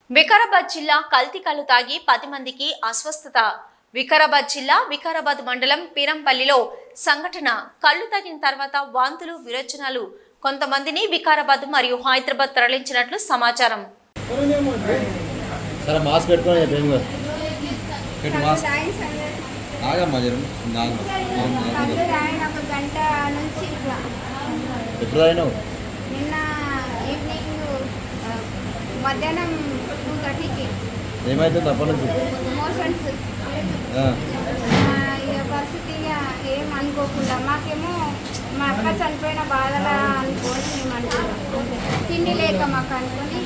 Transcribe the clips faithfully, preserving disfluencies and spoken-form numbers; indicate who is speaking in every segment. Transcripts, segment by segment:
Speaker 1: వికారాబాద్ జిల్లా కల్తీ కల్లు తాగి పది మందికి అస్వస్థత. వికారాబాద్ జిల్లా వికారాబాద్ మండలం పీరంపల్లిలో సంఘటన. కల్లు తాగిన తర్వాత వాంతులు విరోచనాలు. కొంతమందిని వికారాబాద్ మరియు హైదరాబాద్ తరలించినట్లు సమాచారం.
Speaker 2: మధ్యాహ్నం టూ థర్టీకి
Speaker 3: ఏమైతుంది అప్పటి నుంచి
Speaker 2: మోషన్స్ ఇక పరిస్థితి ఏం అనుకోకుండా మాకేమో మా అక్క చనిపోయిన బాధలా అనుకోని మేము అనుకున్నాం. తిండి లేక మాకు అనుకొని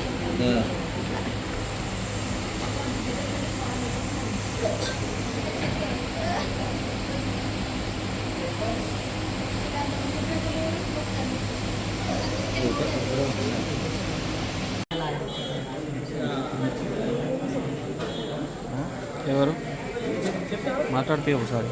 Speaker 3: ఎవరు మాట్లాడితే ఒకసారి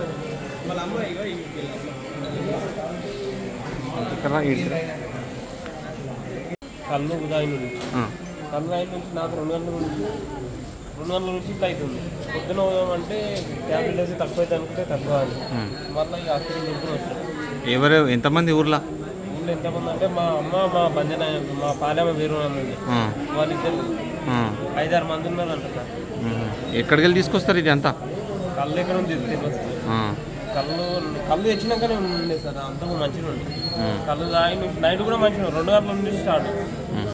Speaker 4: కళ్ళు ఉదాయి నుంచి కళ్ళు అయిన నుంచి నాకు రెండు గంటల నుంచి రెండు గంటల నుంచి ఇట్లా అవుతుంది. పొద్దున అంటే ట్యాబ్లెట్ వేసి తక్కువ అయితే అనుకుంటే తక్కువ అని మళ్ళీ ఈ హాస్పిటల్ నింపుని వస్తారు.
Speaker 3: ఎవరు ఎంతమంది ఊర్లో
Speaker 4: ఊళ్ళో ఎంతమంది అంటే మా అమ్మ మా బంజన మా పాలెమ్మ వేరు ఉంది, వాళ్ళిద్దరు ఐదారు మంది ఉన్నారు అంట సార్.
Speaker 3: ఎక్కడికి వెళ్ళి తీసుకొస్తారు ఇది అంతా?
Speaker 4: కళ్ళు ఎక్కడ ఉంది తెలియదు. కళ్ళు కళ్ళు తెచ్చినాకనే ఉండే సార్, అంతా మంచిగా ఉండే. కళ్ళు తాగి నైట్ కూడా మంచిగా రెండు గంటల నుంచి స్టార్ట్.